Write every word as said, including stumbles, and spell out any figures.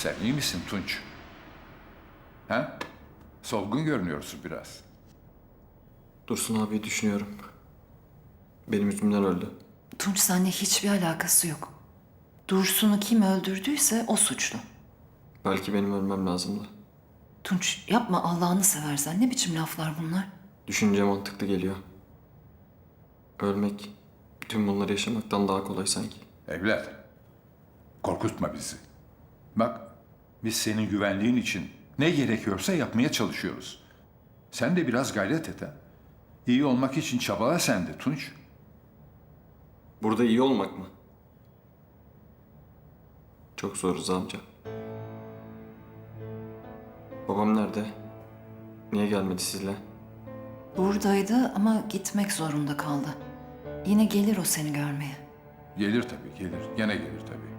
Sen iyi misin Tunç? Ha? Solgun görünüyorsun biraz. Dursun abi düşünüyorum. Benim yüzümden öldü. Tunç seninle hiçbir alakası yok. Dursun'u kim öldürdüyse o suçlu. Belki benim ölmem lazımdı. Tunç yapma Allah'ını seversen. Ne biçim laflar bunlar? Düşünce mantıklı geliyor. Ölmek, bütün bunları yaşamaktan daha kolay sanki. Evlat, korkutma bizi. Bak, biz senin güvenliğin için ne gerekiyorsa yapmaya çalışıyoruz. Sen de biraz gayret et ha. İyi olmak için çabala sen de Tunç. Burada iyi olmak mı? Çok zor Rıza amca. Babam nerede? Niye gelmedi sizle? Buradaydı ama gitmek zorunda kaldı. Yine gelir o seni görmeye. Gelir tabii, gelir. Gene gelir tabii.